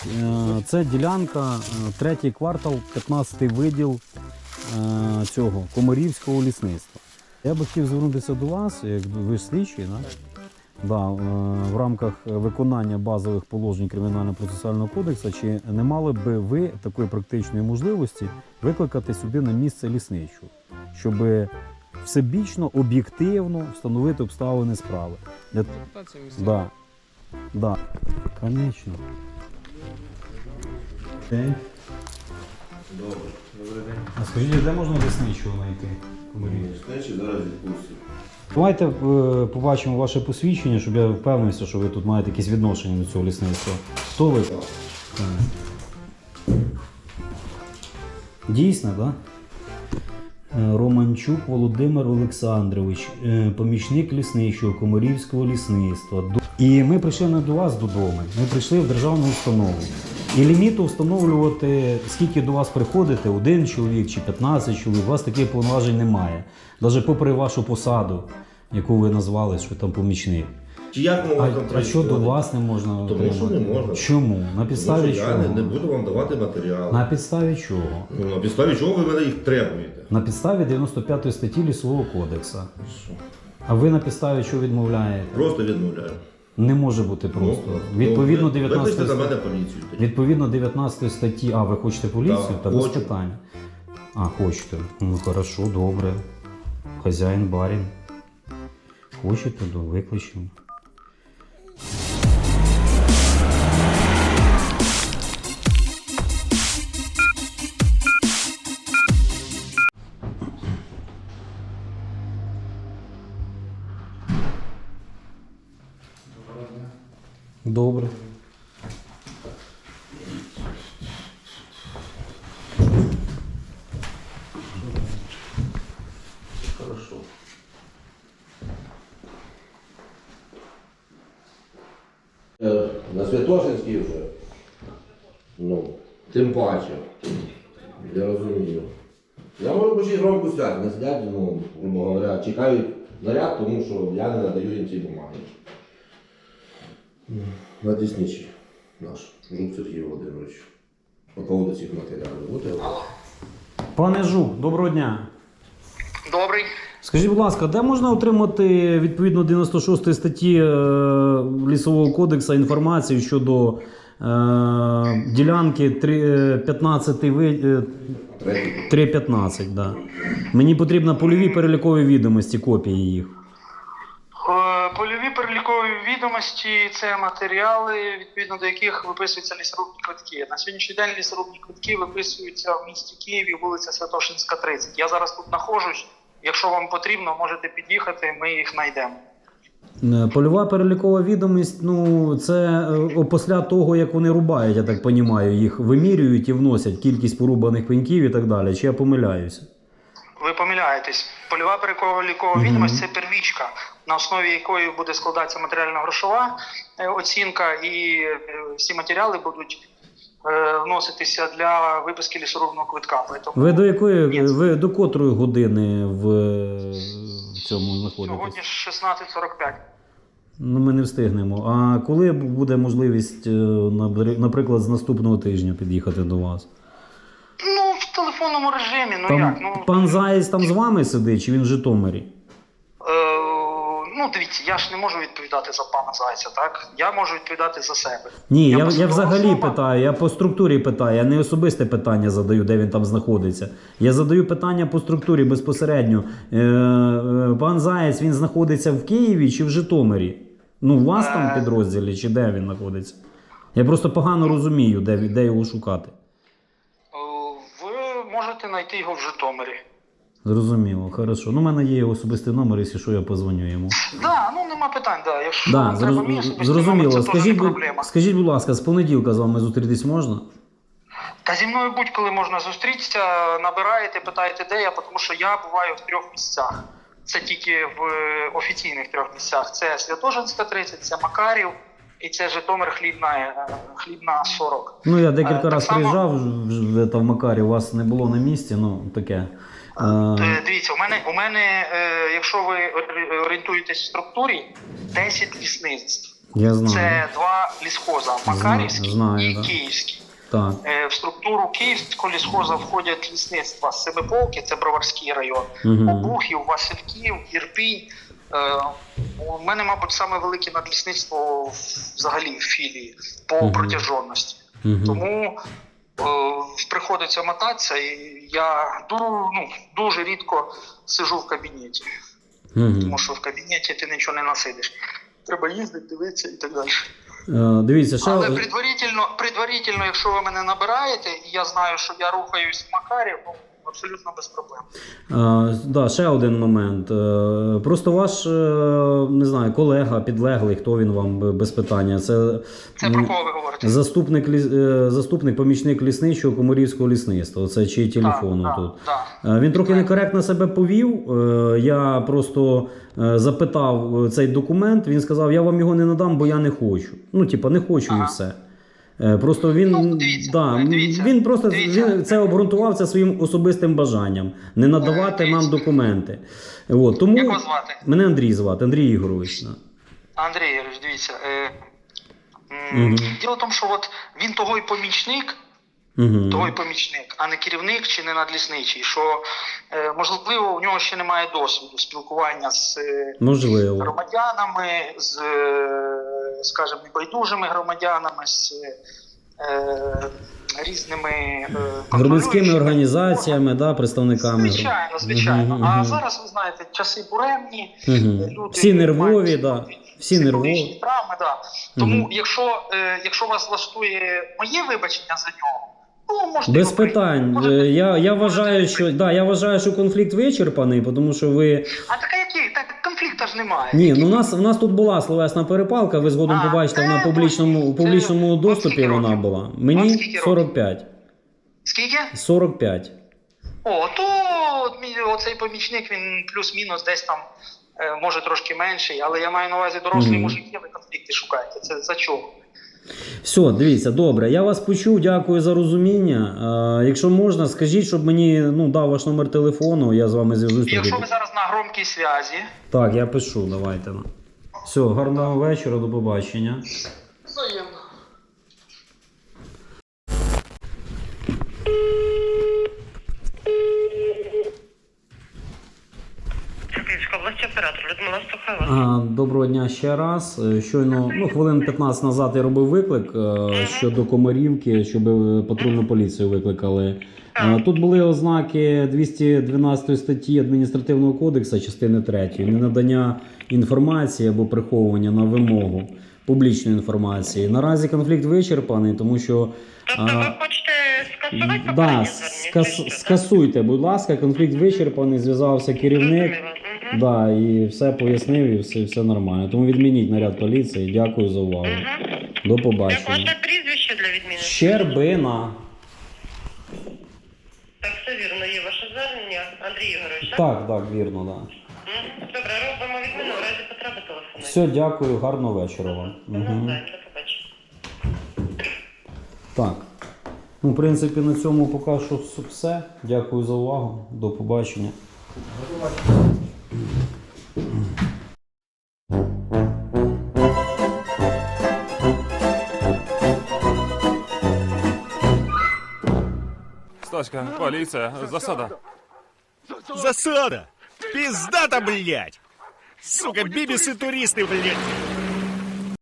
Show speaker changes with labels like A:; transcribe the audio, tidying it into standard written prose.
A: Це ділянка, третій квартал, 15-й виділ цього Комарівського лісництва. Я би хотів звернутися до вас, як ви ж слідчий, да, в рамках виконання базових положень Кримінально-процесуального кодексу, чи не мали би ви такої практичної можливості викликати сюди на місце лісничу, щоб всебічно, об'єктивно встановити обставини справи? Да. Да. Конечно. День.
B: Добре. Добрий день.
A: А скажіть, де можна лісничого знайти?
B: Лісничий зараз відпустив.
A: Давайте побачимо ваше посвідчення, щоб я впевнився, що ви тут маєте якісь відношення до цього лісництва. Хто ви? Так. Дійсно, так? Да? Романчук Володимир Олександрович, помічник лісничого Комарівського лісництва. І ми прийшли не до вас додому, ми прийшли в державну установу. І ліміту встановлювати, скільки до вас приходите, 1 чоловік чи 15 чоловік, у вас таких повноважень немає. Навіть попри вашу посаду, яку ви назвали, що там помічник.
B: Чи як ми вам там
A: А що до вас не можна?
B: Тому що не можна.
A: Чому? На підставі
B: Тому що
A: чого?
B: я не буду вам давати матеріал.
A: На підставі чого?
B: Ну, на підставі чого ви мене їх требуєте?
A: На підставі 95 статті Лісового кодексу.
B: Що?
A: А ви на підставі чого відмовляєте?
B: Просто відмовляю.
A: Не може бути просто. Відповідно 19
B: Викличте на мене поліцію. тоді.
A: Відповідно 19 статті. А, ви хочете поліцію?
B: Так,
A: Та без
B: хочу.
A: питань. А, хочете. Ну, хорошо, добре. Хазяїн, барин. Хочете, то викличемо. Добре.
B: Хорошо. На Святошинській вже. Ну, тим паче. Я розумію. Я можу почти громко сидять, не сидять, ну, грубо говоря, чекають наряд, тому що я не надаю їм ці бумаги. На Діснічі наш, Жук Сергій Володимирович. По поводу цих матеріалів. Будете?
A: Пане Жук, доброго дня.
C: Добрий.
A: Скажіть, будь ласка, де можна отримати відповідно 96 статті Лісового кодексу інформацію щодо ділянки 3.15, да. Мені потрібно польові перелікові відомості, копії їх.
C: Польові перелікові відомості – це матеріали, відповідно до яких виписуються лісорубні квитки. На сьогоднішній день лісорубні квитки виписуються в місті Києві, вулиця Святошинська, 30. Я зараз тут знаходжусь. Якщо вам потрібно, можете під'їхати, ми їх знайдемо.
A: Польова перелікова відомість, ну, це після того, як вони рубають, я так розумію, їх вимірюють і вносять кількість порубаних пеньків і так далі. Чи я помиляюся?
C: Ви помиляєтесь. Польова перелікова відомість – це первічка, на основі якої буде складатися матеріально-грошова оцінка, і всі матеріали будуть вноситися для виписки лісорубного квитка.
A: Ви до котрої години в цьому знаходитесь?
C: Сьогодні 16:45.
A: Ну, ми не встигнемо. А коли буде можливість, наприклад, з наступного тижня під'їхати до вас?
C: Ну, в телефонному режимі, ну
A: Там
C: як? Ну,
A: пан Заєць там з вами сидить, чи він в Житомирі?
C: ну, дивіться, я ж не можу відповідати за пана Зайця, так? Я можу відповідати за себе.
A: Ні, я
C: посадова
A: взагалі
C: особа.
A: питаю, я по структурі питаю, я не особисте питання задаю, де він там знаходиться. Я задаю питання по структурі безпосередньо. Пан Заєць, він знаходиться в Києві чи в Житомирі? Ну, у вас там в підрозділі, чи де він знаходиться? Я просто погано розумію, де його шукати.
C: Ви можете знайти його в Житомирі.
A: Зрозуміло, хорошо. Ну, у мене є його особистий номер, якщо що, я позвоню йому.
C: Да, ну нема питань, да. Якщо
A: Да,
C: вам треба мій особистий номер,
A: зрозуміло.
C: це теж не проблема.
A: Скажіть, будь ласка, з понеділка з вами зустрітись можна?
C: Та зі мною будь-коли можна зустрітися, набираєте, питаєте, де я, тому що я буваю в 3 місцях. Це тільки в офіційних 3 місцях. Це Святошинська, 30, це Макарів і це Житомир, Хлібна, 40.
A: Ну, я декілька разів
C: само...
A: приїжджав в Макарі, у вас не було на місці, ну, таке.
C: Дивіться, у мене, якщо ви орієнтуєтесь в структурі, 10 лісництв.
A: Я знаю.
C: Це два лісхоза – Макарівський
A: Знаю,
C: і
A: да.
C: Київський.
A: Так.
C: В структуру Київського лісхоза входять лісництва Семиполки, це Броварський район,
A: Угу.
C: Обухів, Васильків, Ірпінь. У мене, мабуть, саме велике надлісництво взагалі в філії по протяжності. Тому приходиться мотатися, і я дуже рідко сиджу в кабінеті. Тому що в кабінеті ти нічого не насидиш. Треба їздити, дивитися і так далі.
A: Дивіться, ще...
C: Але предварительно, якщо ви мене набираєте, і я знаю, що я рухаюсь в Макарів, абсолютно без проблем.
A: Да, ще один момент. Просто ваш, не знаю, колега, підлеглий, хто він вам, без питання. Це
C: про кого ви говорите?
A: Заступник, помічник лісничого Комарівського лісництва. Це чий телефон тут. Він трохи некоректно себе повів. Я просто запитав цей документ, він сказав, я вам його не надам, бо я не хочу. Не хочу і все. Просто він, він просто він це обґрунтував це своїм особистим бажанням не надавати нам документи. Тому
C: як вас звати?
A: Мене Андрій звати, Андрій Ігорович.
C: Андрій Ігорович, дивіться. Діло в тому, що він того й помічник, а не керівник чи не надлісничий, що можливо у нього ще немає досвіду спілкування з громадянами, з, скажімо, небайдужими громадянами, з різними
A: громадськими організаціями, представниками.
C: Звичайно. А зараз, ви знаєте, часи буремні, люди
A: всі нервові, всі нервові
C: травми, Тому, якщо вас влаштує моє вибачення за нього, можете
A: без питань. Я вважаю, що конфлікт вичерпаний, тому що ви...
C: А так який? Так конфлікту ж немає.
A: Ні, у нас тут була словесна перепалка, ви згодом побачите, вона в публічному доступі вона була. Мені 45.
C: Скільки?
A: 45.
C: То оцей помічник, він плюс-мінус десь там, може трошки менший, але я маю на увазі дорослі мужики, ви конфлікти шукаєте. Це за чого?
A: Все, дивіться, добре, я вас почув, дякую за розуміння. Якщо можна, скажіть, щоб мені дав ваш номер телефону, я з вами зв'яжусь.
C: Якщо ви зараз на громкій зв'язі.
A: Так, я пишу, давайте. Все, гарного вечора, до побачення.
C: Взаємно.
D: Київська область, оператор Людмила Стахова.
A: Доброго дня ще раз. Щойно, хвилин 15 назад я робив виклик щодо Комарівки, щоб патрульну поліцію викликали. Тут були ознаки 212 статті Адміністративного кодексу, частини 3, ненадання інформації або приховування на вимогу публічної інформації. Наразі конфлікт вичерпаний, тому що...
D: Тобто ви хочете скасувати попереднє звернення?
A: Скасуйте, будь ласка, конфлікт вичерпаний, зв'язався керівник, і все пояснив, і все нормально. Тому відмініть наряд поліції. Дякую за увагу. До побачення.
D: Як ваше прізвище для відміни?
A: Щербина.
D: Так, все вірно, є ваше звернення. Андрій Ігорович,
A: Так, вірно,
D: Добре, робимо відміну, в разі потреби телефонуйте.
A: Все, дякую, гарного вечора вам.
D: До побачення.
A: Так. В принципі, на цьому поки що все. Дякую за увагу. До побачення.
E: Стаська, поліція, засада.
F: Засада! Пиздата, блядь! Сука, бибисы туристы, блядь!